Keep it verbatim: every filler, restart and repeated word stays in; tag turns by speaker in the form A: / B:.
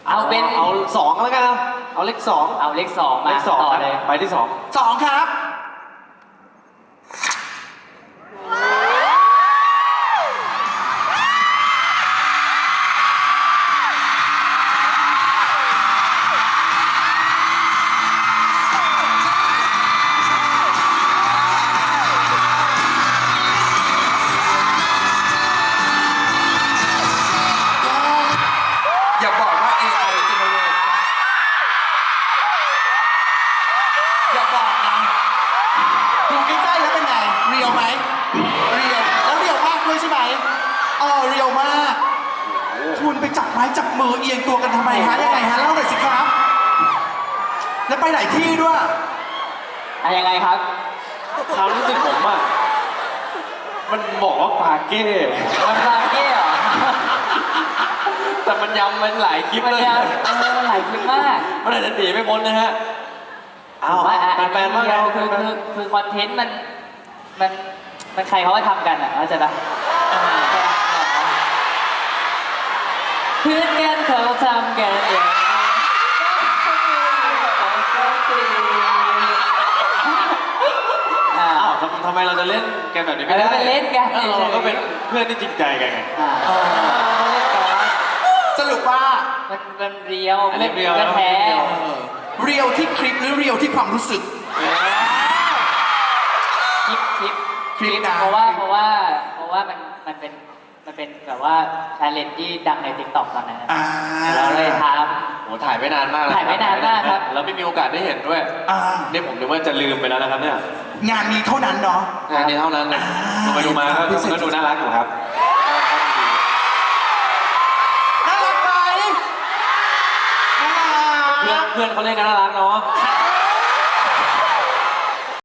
A: เอาเป็น
B: เอาสองแล้วกันเอาเอาเลขสอง
A: เอาเลขสองมา
B: เลขสอง
A: ต่อเลย
B: ไปที่สอง
C: สองครับอย่าบอกว่า เอ ไอ generate อย่าบอกนะดูใกล้ๆแล้วเป็นไงเรียวไหมเรียวแล้วเรียวมากด้วยใช่ไหมเออเรียวมากคุณไปจับไม้จับมือเอียงตัวกันทำไมฮะยังไงฮะเล่าหน่อยสิครับแล้วไปไหนที่ด้วย
A: อะยังไงครับ
B: ความรู้สึกผมอะมันบอกว่าปาเก้
A: มันลาเก้เหรอ
B: แต่มันย้ำมันหลายคลิป
A: มัน
B: เลย
A: ยังเออมันหลายคลิปมาก
B: มันอาจจะหนีไม่พ้นนะฮะเอา
A: ว่าอ่ะ
B: แฟนๆมาก
A: เดี
B: นะ
A: ยวคือคือคือคอนเทนต์มันมันมันใครเขาก็ทำกันอ่ะเข้าใจปะเพื่อนกันเขาทำกันอย่างนี้อ่า
B: อ้าวทำทำไมเราจะเล่นกันแบบนี้ไม่ได้
A: เออเล่นกัน
B: เออเราก็เป็นเพื่อนที่จริงใจกันไง
A: อ่า
C: เออ
A: เล่นกัน
C: สรุปว่า
A: มันมันเรียว
B: อันนี้เรียว
A: มันแท้
B: เรียว
C: เออเรียวที่คลิปหรือเรียวที่ความรู้สึก
A: คลิปคลิป
C: คลิปนะ
A: เพราะว่าเพราะว่าเพราะว่ามันมันเป็นมันเป็นแบบว่าชาเลนจ์ที่ดังในติ๊กต็อกตอนนั้นนะ
C: อ่า
A: เราเลยท
B: โอ้ถ่ายไม่นานมากะ
A: ถ่ายไม่นานมากครับ
B: แล้วไม่มีโอกาสได้เห็นด้วย
C: อ่า
B: นี่ผมนึกว่าจะลืมไปแล้วนะครับเนี่ย
C: งานนี้เท่านั้นเนาะ
B: งานนี้เท่านั้นเลย
C: อ่า
B: ดูไปดูมาก็ก็ดูน่ารักอยู่ครับ
C: น่ารักไหมน่ารัก
B: เพื่อนเพื่อนเขาเล่นกันน่ารักเนาะ
C: ใช่